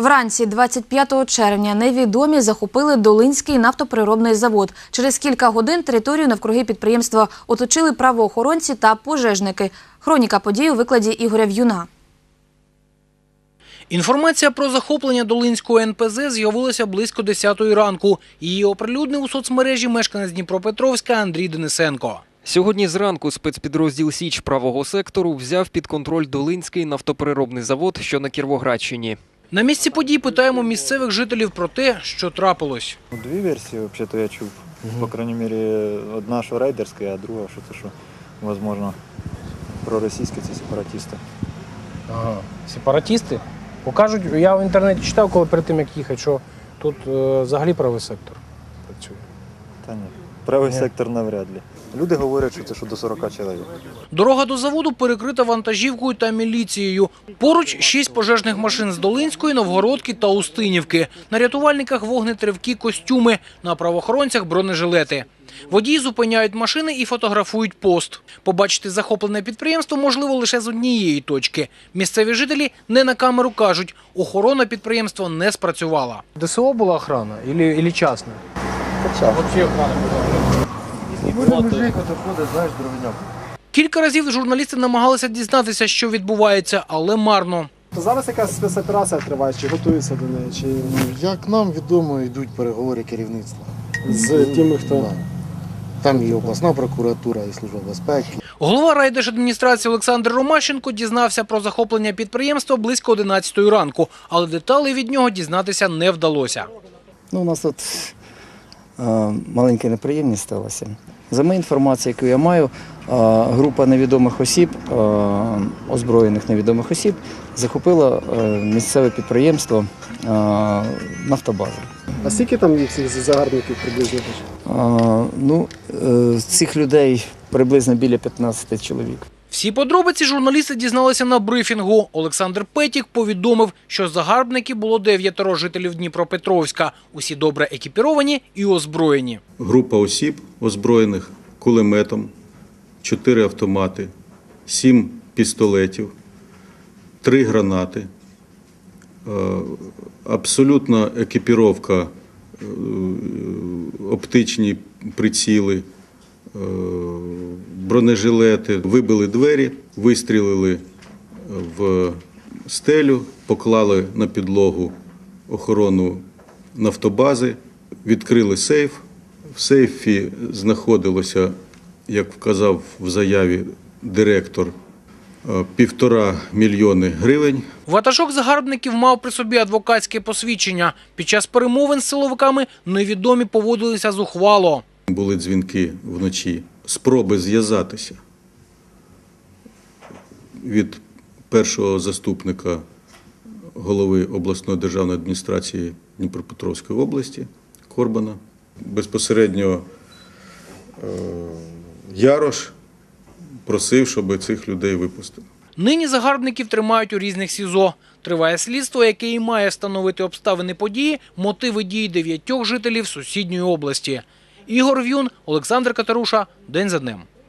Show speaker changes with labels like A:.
A: Вранці 25 червня невідомі захопили Долинський нафтопереробний завод. Через кілька годин територію навкруги підприємства оточили правоохоронці та пожежники. Хроніка подій у викладі Ігоря В'юна.
B: Інформація про захоплення Долинського НПЗ з'явилася близько 10-ї ранку. Її оприлюднив у соцмережі мешканець Дніпропетровська Андрій Денисенко.
C: Сьогодні зранку спецпідрозділ «Січ» правого сектору взяв під контроль Долинський нафтопереробний завод, що на Кіровоградщині.
B: На місці подій питаємо місцевих жителів про те, що трапилось.
D: Дві версії, взагалі-то, я чув. По крайній мірі, одна, що рейдерська, а друга, що можливо, проросійські – це сепаратисти.
E: Ага, сепаратисти? Покажуть, я в інтернеті читав, коли перед тим, як їхати, що тут взагалі правий сектор працює.
D: Та ні, правий сектор навряд ли. Люди говорять, що це до 40 чоловік.
B: Дорога до заводу перекрита вантажівкою та міліцією. Поруч 6 пожежних машин з Долинської, Новгородки та Устинівки. На рятувальниках вогнетривкі костюми, на правоохоронцях бронежилети. Водії зупиняють машини і фотографують пост. Побачити захоплене підприємство можливо лише з однієї точки. Місцеві жителі не на камеру кажуть, охорона підприємства не спрацювала.
E: ДСО була охрана або частна? Взагалі охрана була.
B: Кілька разів журналісти намагалися дізнатися, що відбувається, але марно.
F: Зараз якась спецоперація триває, чи готуються до неї? Чи...
G: Як нам відомо, йдуть переговори керівництва.
F: З тими, хто...
G: Да. Там і обласна прокуратура, і Служба безпеки.
B: Голова райдержадміністрації Олександр Ромащенко дізнався про захоплення підприємства близько 11-ї ранку, але деталей від нього дізнатися не вдалося.
H: У нас тут маленька неприємність сталася. За моєю інформацією, яку я маю, група невідомих осіб, озброєних невідомих осіб, захопила місцеве підприємство «Нафтобаза».
F: А скільки там цих загарбників приблизно?
H: Цих людей приблизно біля 15 чоловік.
B: Всі подробиці журналісти дізналися на брифінгу. Олександр Петік повідомив, що загарбників було 9 жителів Дніпропетровська. Усі добре екіпіровані і озброєні.
I: Група осіб, озброєних кулеметом, 4 автомати, 7 пістолетів, 3 гранати, абсолютна екіпіровка, оптичні приціли, бронежилети. Вибили двері, вистрілили в стелю, поклали на підлогу охорону нафтобази, відкрили сейф. В сейфі знаходилося, як вказав в заяві директор, 1,5 мільйони гривень.
B: Ватажок загарбників мав при собі адвокатське посвідчення. Під час перемовин з силовиками невідомі поводилися зухвало.
I: Були дзвінки вночі, спроби зв'язатися від першого заступника голови обласної державної адміністрації Дніпропетровської області Корбана. Безпосередньо Ярош просив, щоб цих людей випустили.
B: Нині загарбників тримають у різних СІЗО. Триває слідство, яке і має встановити обставини події, мотиви дій 9 жителів сусідньої області. Ігор В'юн, Олександр Катеруша. День за днем.